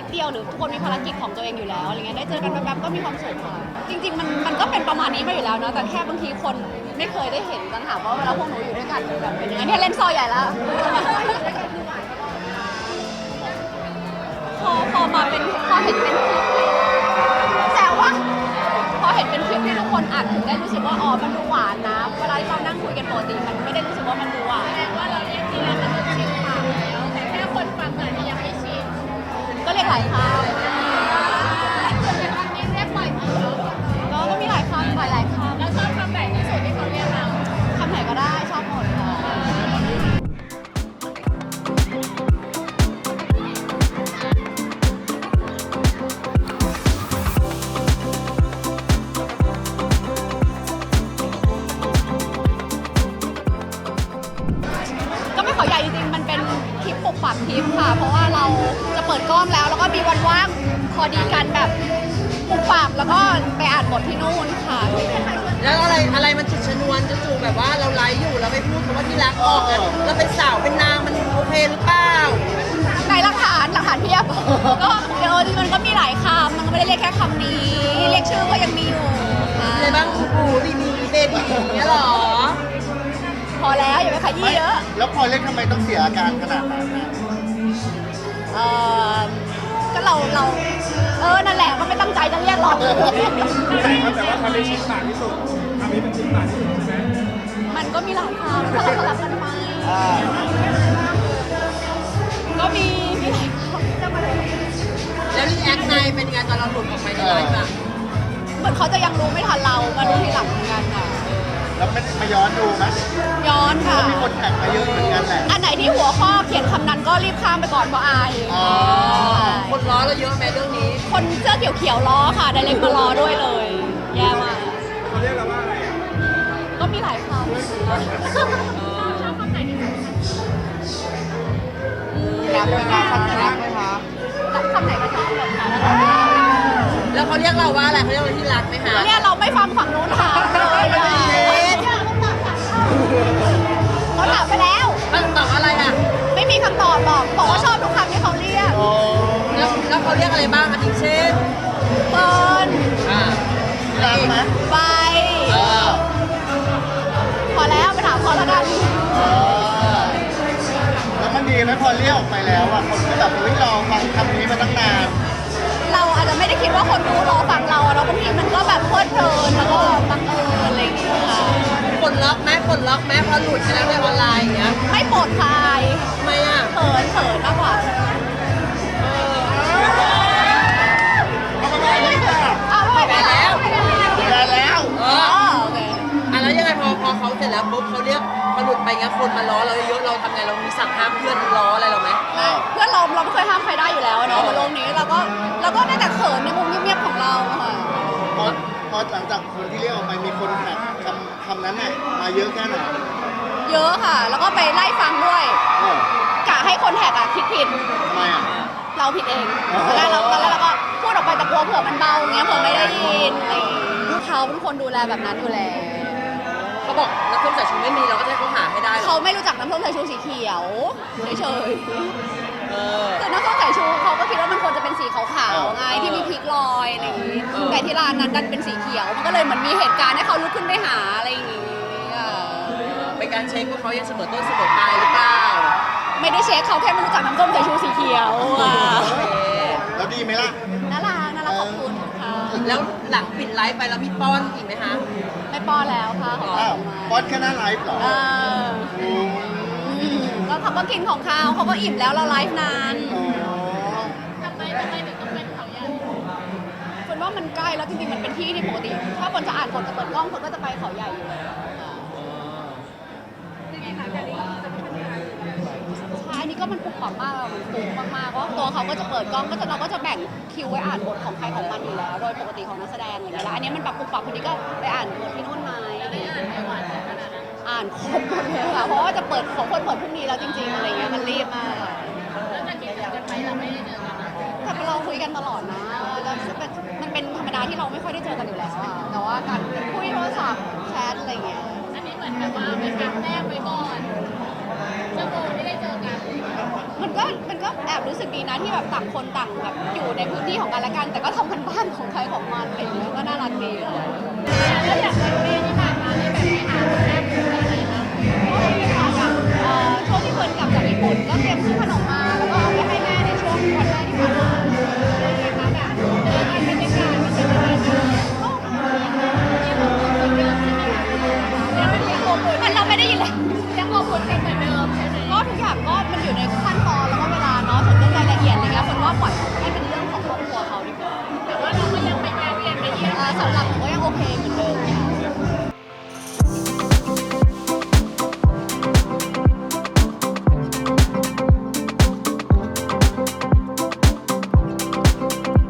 เดียวหรือทุกคนมีภารกิจของตัวเองอยู่แล้วอะไรเงี้ยได้เจอกันแป๊บๆก็มีความสุขค่ะจริงๆมันก็เป็นประมาณนี้มาอยู่แล้วเนาะแต่แค่บางทีคนไม่เคยได้เห็นกันถามว่าเวลาพวกหนูอยู่ด้วยกันแบบเป็นยังไงเนี่ยเล่นซอยใหญ่แล้วพอมาเป็นพอเห็นเป็นคลิปแซวว่าพอเห็นเป็นคลิปที่ทุกคนอัดถึงได้รู้สึกว่าอ๋อมันดูหวานนะเวลาเรานั่งคุยกันปกติมันไม่ได้รู้สึกว่ามันดูหวานแสดงว่าเราเรียกที่แล้วมันชินปากแล้วแต่แค่คนฟังอาจจะยังไม่ชินก็เรียกหลายคำตอนนี้เรียกบ่อยมากก็มีหลายคำหลายคำแล้วชอบคำไหนที่สุดที่เขาเรียกเราคำไหนก็ได้ชอบหมดค่ะเขาใหญ่จริงๆมันเป็นคลิปปุบปับคลิปค่ะเพราะว่าเราจะเปิดกล้องแล้วก็มีวันว่างพอดีกันแบบปุบปับแล้วก็ไปอ่านบทที่นู่นค่ะแล้วอะไรมันจุดชนวนจู่ๆแบบว่าเราไลฟ์อยู่แล้วไปพูดคำว่าที่รักออกอะเราเป็นสาวเป็นนางมันโอเคหรือเปล่าในหลักฐานเพียบก็เดี๋ยวมันก็มีหลายคำมันก็ไม่ได้เรียกแค่คำนี้เรียกชื่อก็ยังมีอยู่อะไรบ้างปูดีมีเบบี้อย่างเงี้ยหรอพอแล้วอย่าไปขยี้เยอะแล้วพอเล่นทำไมต้องเสียอาการขนาดนั้นก็เรานั่นแหละก็ไม่ตั้งใจจะเรียกหรอกแต่ว่าคำนี้ชิ้นปากที่สุดคำนี้เป็นชิ้นปากที่สุดใช่ไหมมันก็มีหลายคำสลับกันไปก็มีหลายคำแล้วรีแอคไงเป็นไงตอนเราหลุดออกไปในไลฟ์อะเหมือนเขาจะยังรู้ไม่ทันเรามารู้ทีหลังเหมือนกันค่ะแล้วไม่มาย้อนดูไหมย้อนค่ะมีคนแท็กมาเยอะเหมือนกันแหละอันไหนที่หัวข้อเขียนคำนั้นก็รีบข้ามไปก่อนเพราะอายคนล้อเราเยอะไหมเรื่องนี้คนเสื้อเขียวล้อค่ะไดเรกมาล้อด้วยเลยแย่มากเขาเรียกเราว่าอะไรก็มีหลายคำชอบคำไหนที่สุดรักไหมคะคำไหนรักไหมคะคำไหนก็ชอบหมดค่ะแล้วเขาเรียกเราว่าอะไรเขาเรียกเราที่รักไหมคะเนี่ยเราไม่ฟังฝั่งนู้นถามเลยเขาถามไปแล้วตอบอะไรอ่ะไม่มีคำตอบบอกว่าชอบทุกคำที่เขาเรียกแล้วเขาเรียกอะไรบ้างคะอย่างเช่นเปิร์นรักไหมใบพอแล้วไปถามเขาแล้วกันแล้วมันดีไหมพอเรียกออกไปแล้วอ่ะคนก็แบบรอฟังคำนี้มาตั้งนานเราอาจจะไม่ได้คิดว่าคนดูรอฟังเราแล้วบางทีมันก็แบบเพลิดเพลินแล้วก็บังเอิญอะไรอย่างเงี้ยค่ะปลดล็อกไหมพอหลุดไปแล้วในออนไลน์อย่างเงี้ยไม่ปลดคลายทำไมอ่ะเขินมากกว่าเอาไปแล้วโอเคแล้วยังไงพอเขาเสร็จแล้วปุ๊บเขาเรียกเขาหลุดไปเงี้ยคนมาล้อเราเยอะเราทำไงเรามีสั่งห้ามเพื่อนล้ออะไรเราไหมเพื่อนเราไม่เคยห้ามใครได้อยู่แล้วเนาะบนโลกนี้เราก็ได้แต่เขินในมุมเงียบๆของเราค่ะพอหลังจากคนที่เรียกออกไปมีคนแท็กคำนั้นน่ะมาเยอะแค่ไหนเยอะค่ะแล้วก็ไปไล่ฟังด้วยกะให้คนแท็กคิดผิดทำไมอ่ะเราผิดเองตอนแรกเราก็พูดออกไปแต่กลัวเผื่อมันเบาเงี้ยเผื่อไม่ได้ยินอะไรเขาเป็นคนดูแลแบบนั้นอยู่แล้วเขาบอกน้ำส้มสายชูไม่มีเราก็จะเขาหาให้ได้เขาไม่รู้จักน้ำส้มสายชูสีเขียวเฉยๆคือน้ำส้มสายชูเขาก็คิดว่ามันควรจะเป็นสีขาวๆไงที่มีพริกลอยอะไรอย่างงี้แต่ที่ร้านนั้นดันเป็นสีเขียวมันก็เลยเหมือนมีเหตุการณ์ให้เขาลุกขึ้นไปหาอะไรอย่างงี้เป็นการเช็คว่าเขายังเสมอต้นเสมอปลายหรือเปล่าไม่ได้เช็คเขาแค่ไม่รู้จักน้ำส้มสายชูสีเขียวแล้วดีไหมล่ะน่ารักขอบคุณค่ะแล้วหลังปิดไลฟ์ไปแล้วมีป้อนอีกไหมคะไม่ป้อนแล้วค่ะป้อนแค่หน้าไลฟ์เหรอก็เขาก็กินของเขาก็อิ่มแล้วเราไลฟ์นานทำไมถึงต้องเป็นเขาใหญ่คนว่ามันใกล้แล้วจริงๆมันเป็นที่ที่ปกติถ้าคนจะอ่านบทจะเปิดกล้องคนก็จะไปเขาใหญ่อยู่แล้วอันนี้ก็มันปุกปับมากมันปุกมากๆเพราะตัวเขาก็จะเปิดกล้องเราก็จะแบ่งคิวไว้อ่านบทของใครของมันอยู่แล้วโดยปกติของนักแสดงอย่างเงี้ยแล้วอันนี้มันปับปุกปับคนนี้ก็ไปอ่านบทที่นู่นมาอ่านครบหมดเลยค่ะเพราะว่าจะเปิดของคนเปิดพรุ่งนี้แล้วจริงๆอะไรเงี้ยมันรีบมากแล้วจะคิดกันไปเราไม่ได้เจอกันแต่เราคุยกันตลอดนะแล้วมันเป็นธรรมดาที่เราไม่ค่อยได้เจอกันอยู่แล้วอะแต่ว่าการคุยโทรศัพท์แชทอะไรเงี้ยอันนี้เหมือนแบบว่าเป็นครั้งแรกไปก่อนชั่วโมงไม่ได้เจอกันมันก็มันก็แอบรู้สึกดีนะที่แบบต่างคนต่างแบบอยู่ในพื้นที่ของกันและกัน แต่ก็ทำกันบ้านของใครของมันอะไรอย่างเงี้ยก็น่ารักดีเลยแล้วอย่างวันแม่ที่ผ่านมานี่แบบไปหาคุณแม่คุณอะไรนะก็มีค่ะแบบช่วงที่เฟิร์นกลับจากญี่ปุ่นก็เตรียมชุด